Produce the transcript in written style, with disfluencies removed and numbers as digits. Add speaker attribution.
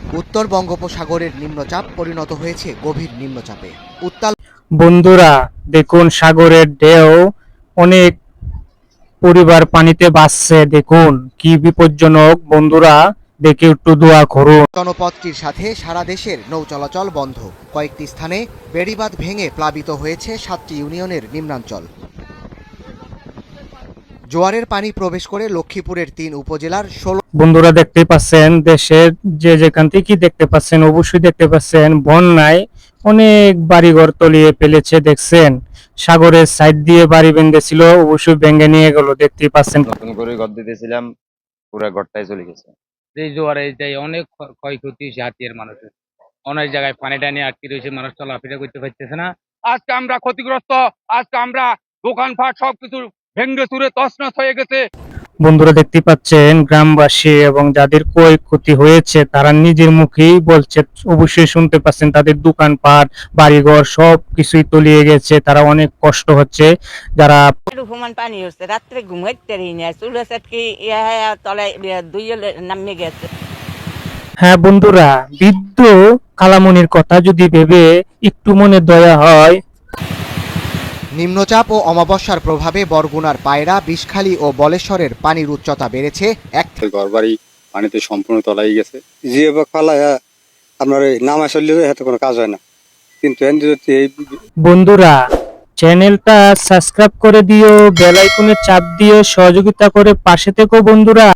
Speaker 1: উত্তর বঙ্গোপসাগরের নিম্নচাপ পরিণত হয়েছে গভীর নিম্নচাপে। উত্তাল
Speaker 2: বন্ধুরা দেখুন সাগরের ঢেউ, অনেক পরিবার পানিতে ভাসছে। দেখুন কি বিপজ্জনক। বন্ধুরা দেখে একটু দোয়া করুন।
Speaker 1: জনপদটির সাথে সারা দেশের নৌ চলাচল বন্ধ। কয়েকটি স্থানে বেড়িবাঁধ ভেঙে প্লাবিত হয়েছে 7টি ইউনিয়নের নিম্নাঞ্চল। জোয়ারের পানি প্রবেশ করে লক্ষ্মীপুরের 3 উপজেলার 16।
Speaker 2: বন্ধুরা দেখতে পাচ্ছেন দেশের যে যেখান থেকে দেখতে পাচ্ছেন, অবশ্যই দেখতে পাচ্ছেন বন্যায় অনেক বাড়িঘর তলিয়ে ফেলেছে। দেখছেন সাগরের সাইড দিয়ে বাড়ি বেঁধেছিল, অবশ্যই ভেঙে নিয়ে গেল। দেখতেই পাচ্ছেন।
Speaker 3: নতুন করে ঘর দিতেছিলাম, পুরা ঘরটাই চলে গেছে।
Speaker 4: এই জোয়ারে এটাই অনেক ক্ষয়ক্ষতি হয়েছে হাতিয়ার মানুষের। অনেক জায়গায় পানি টানি আটকে রয়েছে, মানুষ চলাফেরা করতে পারতেছে না। আজকে আমরা ক্ষতিগ্রস্ত, আজকে আমরা দোকানপাট সবকিছু ভেঙ্গে চুরে তছনছ হয়ে গেছে।
Speaker 2: বন্ধুরা দেখতে পাচ্ছেন গ্রামবাসী এবং যাদের ক্ষয়ক্ষতি হয়েছে তারা নিজের মুখেই বলছে, অবশ্যই শুনতে পাচ্ছেন, তাদের দোকানপাট বাড়িঘর সব কিছুই তলিয়ে গেছে। তারা অনেক কষ্ট হচ্ছে। যারা
Speaker 5: সমান পানি হচ্ছে, রাত্রে ঘুমাইতে পারি না, চুলা চাটকি তলায় দুই নামে গেছে।
Speaker 2: হ্যাঁ বন্ধুরা, বৃদ্ধ কালামনির কথা যদি ভেবে একটু মনে দয়া হয়।
Speaker 1: নিম্নচাপ ও অমাবস্যার প্রভাবে বরগুনার পায়রা, বিষখালী ও বলেশ্বরের পানির উচ্চতা বেড়েছে
Speaker 6: ঘরবাড়ি পানিতে সম্পূর্ণ তলাই গেছে। জিও বা ফালাইয়া আপনার নামা চললে হাতে কোনো কাজ হয় না, কিন্তু এই
Speaker 2: বন্ধুরা চ্যানেলটা সাবস্ক্রাইব করে দিও, বেল আইকনে চাপ দিও, সহযোগিতা করে পাশে থেকো বন্ধুরা।